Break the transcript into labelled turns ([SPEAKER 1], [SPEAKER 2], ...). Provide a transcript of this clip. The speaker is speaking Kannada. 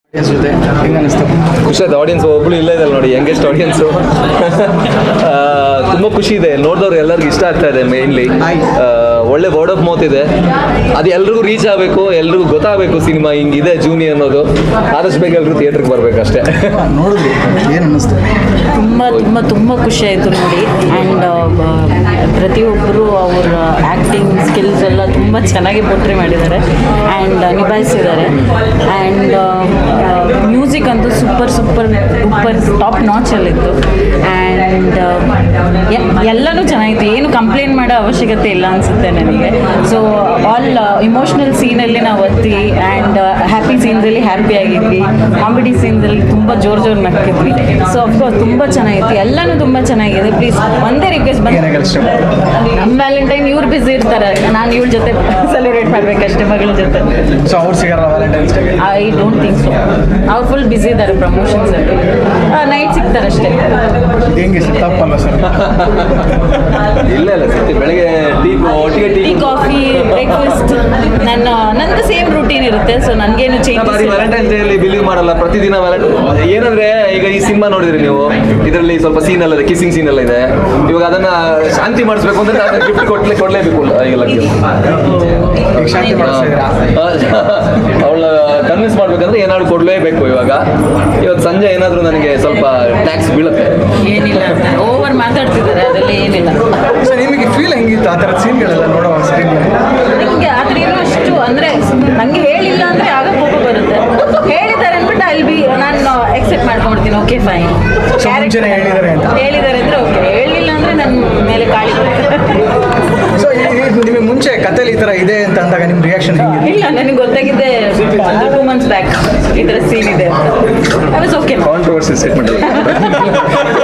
[SPEAKER 1] ಜೊತೆ ಹೆಂಗೆ ಅನಿಸ್ತು?
[SPEAKER 2] ಖುಷಿ ಆಯ್ತು. ಆಡಿಯನ್ಸ್ ಒಬ್ಬಳು ಇಲ್ಲ ಇದೆ ನೋಡಿ, ಯಂಗೆಸ್ಟ್ ಆಡಿಯನ್ಸು. ತುಂಬ ಖುಷಿ ಇದೆ, ನೋಡಿದವ್ರು ಎಲ್ಲರಿಗೂ ಇಷ್ಟ ಆಗ್ತಾ ಇದೆ. ಮೇನ್ಲಿ ಒಳ್ಳೆ ವರ್ಡ್ ಆಫ್ ಮೌತ್ ಇದೆ, ಅದು ಎಲ್ರಿಗೂ ರೀಚ್ ಆಗಬೇಕು, ಎಲ್ರಿಗೂ ಗೊತ್ತಾಗಬೇಕು ಸಿನಿಮಾ ಹಿಂಗಿದೆ ಜೂನಿ ಅನ್ನೋದು. ಆದಷ್ಟು ಬೇಗ ಎಲ್ಲರೂ ಥಿಯೇಟ್ರಿಗೆ ಬರಬೇಕು ಅಷ್ಟೇ.
[SPEAKER 1] ನೋಡಿದ್ರಿ, ಏನು ಅನ್ನಿಸ್ತು?
[SPEAKER 3] ತುಂಬ ತುಂಬ ತುಂಬ ಖುಷಿ ಆಯಿತು ನೋಡಿ. ಆ್ಯಂಡ್ ಪ್ರತಿಯೊಬ್ಬರು ಅವರ ಆ್ಯಕ್ಟಿಂಗ್ ಸ್ಕಿಲ್ಸ್ ಎಲ್ಲ ತುಂಬ ಚೆನ್ನಾಗಿ ಪೋರ್ಟ್ರೇ ಮಾಡಿದ್ದಾರೆ ಆ್ಯಂಡ್ ನಿಭಾಯಿಸಿದ್ದಾರೆ. ಆ್ಯಂಡ್ ಮ್ಯೂಸಿಕ್ ಅಂತೂ ಸೂಪರ್ ಟಾಪ್ ನಾಚಲ್ಲಿತ್ತು. ಆ್ಯಂಡ್ ಎಲ್ಲನೂ ಚೆನ್ನಾಗಿತ್ತು, ಏನು ಕಂಪ್ಲೇಂಟ್ ಮಾಡೋ ಅವಶ್ಯಕತೆ ಇಲ್ಲ ಅನಿಸುತ್ತೆ ನನಗೆ. ಸೊ ಆಲ್ ಇಮೋಷ್ನಲ್ ಸೀನಲ್ಲಿ ನಾವು ಒತ್ತಿ ಆ್ಯಂಡ್ ಹ್ಯಾಪಿ ಸೀನ್ಸಲ್ಲಿ ಹ್ಯಾಪಿ ಆಗಿದ್ವಿ, ಕಾಮಿಡಿ ಸೀನ್ಸಲ್ಲಿ ತುಂಬ ಜೋರು ನಕ್ಕಿದ್ವಿ. ಸೊ ಅಫ್ಕೋರ್ಸ್ ತುಂಬ ಚೆನ್ನಾಗಿತ್ತು, ಎಲ್ಲನೂ ತುಂಬ ಚೆನ್ನಾಗಿದೆ. ಪ್ಲೀಸ್ ಒಂದೇ ರಿಕ್ವೆಸ್ಟ್ ಬಂದು ನಮ್ಮ ವ್ಯಾಲೆಂಟೈನ್ ಇವ್ರು ಬ್ಯುಸಿ ಇರ್ತಾರೆ, ನಾನು ಇವ್ರ ಜೊತೆ ಸೆಲೆಬ್ರೇಟ್ ಮಾಡಬೇಕಷ್ಟೇ, ಮಗಳ ಜೊತೆ.
[SPEAKER 1] ಸೊ ಅವ್ರು ಸಿಗಲ್ಲ ವ್ಯಾಲೆಂಟೈನ್ಸ್ ಡೇಗೆ?
[SPEAKER 3] I don't think so. ಅವ್ರು ಫುಲ್ ಬ್ಯುಸಿ ಇದ್ದಾರೆ ಪ್ರಮೋಷನ್ಸಲ್ಲಿ, ನೈಟ್ ಸಿಗ್ತಾರೆ ಅಷ್ಟೇ.
[SPEAKER 1] ಹೆಂಗೆ ಸರ್, ತಪ್ಪಲ್ಲ ಸರ್?
[SPEAKER 2] ಇಲ್ಲ ಸತ್ಯ, ಬೆಳಗ್ಗೆ
[SPEAKER 3] ಟೀ ಕಾಫಿ ಬ್ರೇಕ್ಫಾಸ್ಟ್ ನಂದು ಸೇಮ್ ರೂಟೀನ್ ಇರುತ್ತೆ. ಸೊ ನನಗೇನು ಚೇಂಜ್
[SPEAKER 2] ವ್ಯಾಲೆಂಟೈನ್ಸ್ ಡೇ ಅಲ್ಲಿ ಬಿಲೀವ್ ಮಾಡಲ್ಲ. ಪ್ರತಿದಿನ ಏನಂದ್ರೆ ಈಗ ಈ ಸಿನಿಮಾ ನೋಡಿದ್ರಿ ನೀವು, ಇದರಲ್ಲಿ ಸ್ವಲ್ಪ ಸೀನ್ ಎಲ್ಲ ಇದೆ, ಕಿಸ್ಸಿಂಗ್ ಸೀನ್ ಎಲ್ಲ ಇದೆ. ಇವಾಗ ಅದನ್ನ ಶಾಂತಿ ಮಾಡಿಸ್ಬೇಕು ಅಂದ್ರೆ ಅದನ್ನ ಗಿಫ್ಟ್ ಕೊಡ್ಲೇಬೇಕು.
[SPEAKER 1] ಶಾಂತಿ ಮಾಡಿಸಿದ್ರಾ?
[SPEAKER 2] ಅವಳ ಕನ್ವಿನ್ಸ್ ಮಾಡ್ಬೇಕಂದ್ರೆ ಏನಾದ್ರು ಕೊಡ್ಲೇಬೇಕು. ಇವತ್ತು ಸಂಜೆ ಏನಾದ್ರು ನನಗೆ ಸ್ವಲ್ಪ ಟ್ಯಾಕ್ಸ್ ಬೀಳುತ್ತೆ.
[SPEAKER 3] ಏನಿಲ್ಲ, ಓವರ್ ಮಾತಾಡ್ತಿದ್ದಾರೆ, ಅದೆಲ್ಲ ಏನಿಲ್ಲ.
[SPEAKER 1] ಸೊ ನಿಮಗೆ ಫೀಲ್ ಹೆಂಗಿತ್ತು ಆ ಥರದ ಸೀನ್ಗಳೆಲ್ಲ ನೋಡೋ ಸ್ಕ್ರೀನ್?
[SPEAKER 3] ನಿಮಗೆ ಆದ್ರೆ ಏನು ಅಷ್ಟು ಅಂದರೆ ನನಗೆ ಹೇಳಿಲ್ಲ ಅಂದರೆ ಆಗ ಕೋಪ ಬರುತ್ತೆ. ಹೇಳಿದ್ದಾರೆ ಅಂದ್ಬಿಟ್ಟು ನಾನು ಎಕ್ಸೆಪ್ಟ್ ಮಾಡ್ಕೊಂಡ್ಬಿಡ್ತೀನಿ. ಓಕೆ ಫೈನ್,
[SPEAKER 1] ಮುಂಚೆನೇ ಹೇಳಿದ್ದಾರೆ ಅಂತ
[SPEAKER 3] ಹೇಳಿದ್ದಾರೆ ಅಂದರೆ ಓಕೆ, ಹೇಳಿಲ್ಲ ಅಂದರೆ ನನ್ನ ಮೇಲೆ ಕಾಳಿ ಬರುತ್ತೆ.
[SPEAKER 1] ಸೊ ನಿಮಗೆ ಮುಂಚೆ ಕಥೆಲಿ ಈ ಥರ ಇದೆ ಅಂತ ಅಂದಾಗ ನಿಮ್ಮ ರಿಯಾಕ್ಷನ್ ಹೆಂಗಿದೆ?
[SPEAKER 3] ಇಲ್ಲ, ನನಗೆ ಗೊತ್ತಾಗಿದೆ 2 months ಬ್ಯಾಕ್ ಈ ಥರ ಸೀನ್ ಇದೆ. I was okay.
[SPEAKER 2] Controversy statement